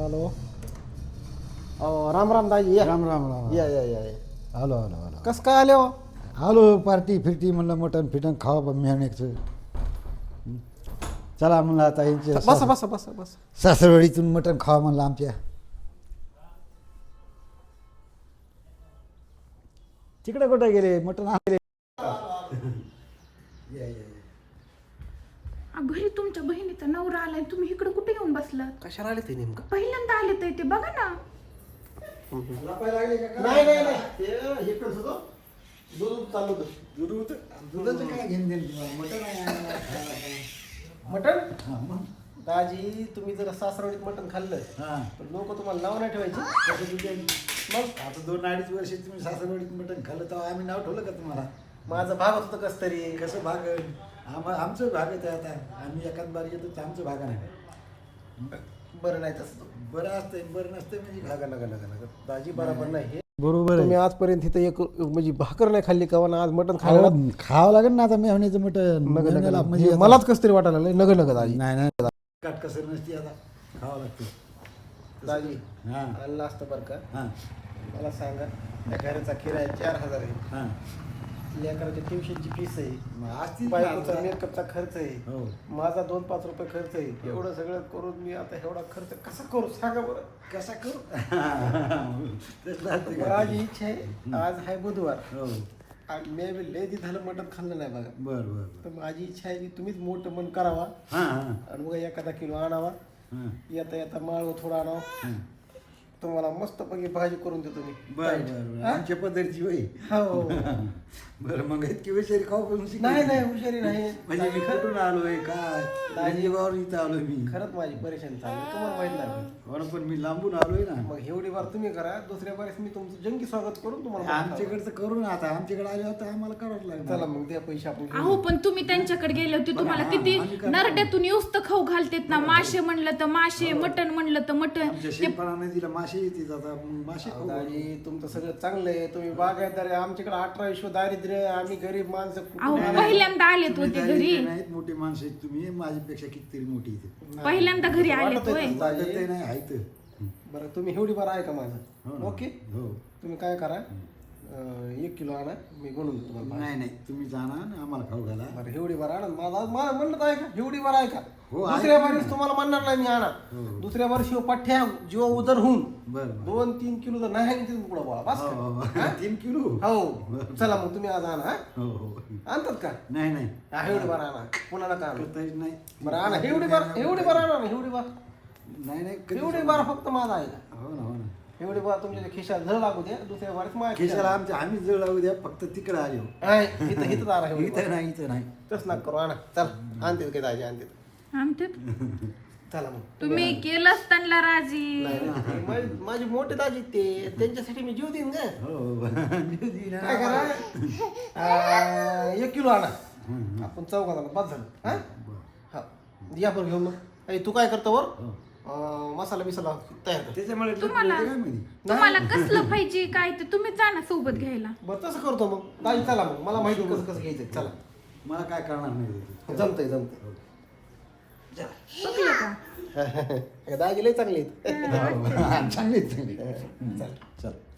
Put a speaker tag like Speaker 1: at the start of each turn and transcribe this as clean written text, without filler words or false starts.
Speaker 1: Hello. Ram Ram दाजी, या
Speaker 2: राम राम राम.
Speaker 1: या या या या.
Speaker 2: आलो आलो आलो
Speaker 1: कसं काय आले हो?
Speaker 2: आलो पार्टी फिरती म्हणलं मटण फिटण खावा मेहण्याचं. चला म्हणलं आता यांचे
Speaker 1: बसा बसा बसा बसा.
Speaker 2: सासरवाडीतून मटण खावा म्हणलं आमच्या. तिकडे कुठे गेले मटण आणले?
Speaker 3: घरी तुमच्या बहिणीचा नवरा आलाय, तुम्ही इकडे कुठे येऊन बसलात?
Speaker 1: कशाला आले ते नेमकं?
Speaker 3: पहिल्यांदा आले ते बघा ना.
Speaker 1: नाही नाही नाही, ते इकडंच होतं. दूध चालू होतं. दूध होतं.
Speaker 2: दुधाचं काय घेऊन देईन तुम्हाला? मटण आहे.
Speaker 1: मटण
Speaker 2: हां, मग.
Speaker 1: दाजी, तुम्ही जर सासरवाडीत मटण खाल्लं
Speaker 2: हां.
Speaker 1: तर लोक तुम्हाला नाव नाही ठेवायचे.
Speaker 2: कसं तुझे मग आता 2-2.5 वर्ष तुम्ही सासरवाडीत मटण खाल्लं तर आम्ही नाव ठेवलं का तुम्हाला?
Speaker 1: माझं भाग होतं कस तरी.
Speaker 2: कसं भाग आमचं भागत आहे आता. आम्ही एखाद बार येतो तर आमचं भाग नाही.
Speaker 1: बरं नाही तसं.
Speaker 2: बरं असतंय बरं नसतंय म्हणजे
Speaker 1: नका नका नका नका दाजी, बरोबर नाही हे.
Speaker 2: बरोबर
Speaker 1: तुम्ही आजपर्यंत इथं एक म्हणजे भाकर नाही खाल्ली का? ना आज मटण खायला
Speaker 2: खावं लागेल ना आता मेहण्याचं मटण. मेहण्याला म्हणजे
Speaker 1: मलाच कस तरी वाटायला लागलं. नग नग दाजी.
Speaker 2: नाही नाही काटकसर नसती आता खावं लागतं
Speaker 1: दाजी
Speaker 2: हां
Speaker 1: आणलं असतं बरं का.
Speaker 2: हां
Speaker 1: मला सांगा, त्या घराचा किराया 4,000 आहे.
Speaker 2: हां
Speaker 1: लेकराच्या ट्युशनची फीस आहे,
Speaker 2: मग असतील ना
Speaker 1: बायकोचा
Speaker 2: आता.
Speaker 1: मेकअपचा खर्च आहे,
Speaker 2: हो
Speaker 1: माझा 2-5 रुपये खर्च आहे. एवढं सगळं करून मी आता एवढा खर्च कसा करू सांगा बरं.
Speaker 2: कसा करू तसं असतं का?
Speaker 1: माझी इच्छा आहे, आज आहे बुधवार
Speaker 2: हो
Speaker 1: आणि मी बी लय दिवस झालं मटण खाल्लं नाही बघा.
Speaker 2: बरं बरं
Speaker 1: तर माझी इच्छा आहे की तुम्हीच मोठं मन करावा
Speaker 2: हां हां
Speaker 1: आणि मग एखादा किलो आणावा.
Speaker 2: हां
Speaker 1: येता येता माळव थोडा आणावा.
Speaker 2: हां
Speaker 1: तुम्हाला मस्त पैकी भाजी करून देतो मी.
Speaker 2: बरं बरं आमच्या पद्धतीची होई.
Speaker 1: हो.
Speaker 2: बरं मग इतकी विषारी खाऊ पण शिकली.
Speaker 1: नाही नाही, हुशारी नाही.
Speaker 2: म्हणजे मी कुठून आलोय काय दाजीबावर इथं आलोय मी.
Speaker 1: खरंच माझी परेशानी चालली, तुम्हाला माहित नाही.
Speaker 2: बरं पण मी लांबून आलोय ना.
Speaker 1: मग एवढी बार तुम्ही करा, दुसऱ्या बारेस मी तुमचं जंगी स्वागत करून तुम्हाला
Speaker 2: आमच्याकडचं करू ना आता. आमच्याकडे आले होते आम्हाला करावं लागलं.
Speaker 1: चला मग द्या पैसे आपण घेऊ.
Speaker 3: अहो पण तुम्ही त्यांच्याकडे गेले होते, तुम्हाला किती
Speaker 2: आम्ही काय
Speaker 3: नरड्यातून युस्त खाऊ घालतेत ना. मासे म्हणलं तर मासे, मटण म्हणलं तर मटण.
Speaker 2: आमच्या शेतपणाने तिला मासे येते आता मासे खाऊ.
Speaker 1: दाजी, तुमचं सगळं चांगलं आहे. तुम्ही बागायतदार आहे. आमच्याकडे 18 विश्व दारिद्र्य. आम्ही गरीब माणसं.
Speaker 3: अहो पहिल्यांदा आलेत
Speaker 2: तुम्ही
Speaker 3: होते
Speaker 2: दारिद्र्य
Speaker 3: घरी.
Speaker 2: नाहीत, मोठी माणसं आहेत तुम्ही. माझ्यापेक्षा कितीतरी मोठी इथे
Speaker 3: पहिल्यांदा घरी आलेत
Speaker 1: वाटत
Speaker 3: होय.
Speaker 1: आहे.
Speaker 2: वाटत आहे नाही आहे तर.
Speaker 1: बरं, तुम्ही एवढी बार आहे का
Speaker 2: हो
Speaker 1: माझं?
Speaker 2: ना.
Speaker 1: ओके.
Speaker 2: हो
Speaker 1: तुम्ही काय करा, 1 किलो आणा, मी बनवून देतो तुम्हाला.
Speaker 2: नाही नाही तुम्ही जाणार आणि आम्हाला खाऊ घाला.
Speaker 1: बरं, एवढी बार आणा. मला म्हणलं तर आहे का? एवढी बार आहे का?
Speaker 2: हो, आहे.
Speaker 1: दुसऱ्या बारीस तुम्हाला म्हणणार नाही मी आणा.
Speaker 2: हो.
Speaker 1: दुसऱ्या वर्षी पठ्ठ्या जीवा उदर होऊन
Speaker 2: बरं
Speaker 1: 2-3 किलो तर नाही आहे तिथून पुढं बोला बस का?
Speaker 2: 3 किलो
Speaker 1: हो. चला मग तुम्ही आज आणा. हा?
Speaker 2: हो हो
Speaker 1: आणतात का?
Speaker 2: नाही नाही
Speaker 1: हा, एवढी बार आणा. पुन्हा नका आणू.
Speaker 2: करता येत नाही.
Speaker 1: बरं आणा. एवढी बार आणा ना. एवढी बार
Speaker 2: नाही
Speaker 1: एवढी बार फक्त माझा आहे का?
Speaker 2: हो ना हो ना.
Speaker 1: एवढी बार तुमच्या खिशात झळ लागू द्या. दुसऱ्या बारीस माझ्या
Speaker 2: केशाला आमच्या आम्ही जळ लावू द्या फक्त तिकडे आले हो.
Speaker 1: आहे. इथं आणा. एवढी बार.
Speaker 2: इथं नाही इथं नाही.
Speaker 1: तसं नका करू. आणा. चला आणते काय दाजी आणते.
Speaker 3: आमच्यात
Speaker 1: चला मग.
Speaker 3: तुम्ही केलंच त्यांना राजी.
Speaker 1: नाही, नाही. माझी मोठे दाजी ते, त्यांच्यासाठी मी जीव देईन का?
Speaker 2: हो
Speaker 1: काय करा, 1 किलो आणा. आपण चौघाला बस झालं. हा हा, या बरं घेऊन मग. तू काय करतो वर? मसाला बिसाला तयार कर.
Speaker 2: त्याच्यामुळे
Speaker 3: तुम्हाला तुम्हाला कसलं पाहिजे काय ते तुम्ही जा ना सोबत घ्यायला.
Speaker 1: बरं तसं करतो मग दाजी. चला मग, मला माहिती कसं कसं घ्यायचं. चला,
Speaker 2: मला काय करणार नाही.
Speaker 1: जमतंय.
Speaker 3: बघलं का?
Speaker 1: दाजी लय चांगले आहेत.
Speaker 2: चांगली चांगली.
Speaker 1: चल.
Speaker 2: चल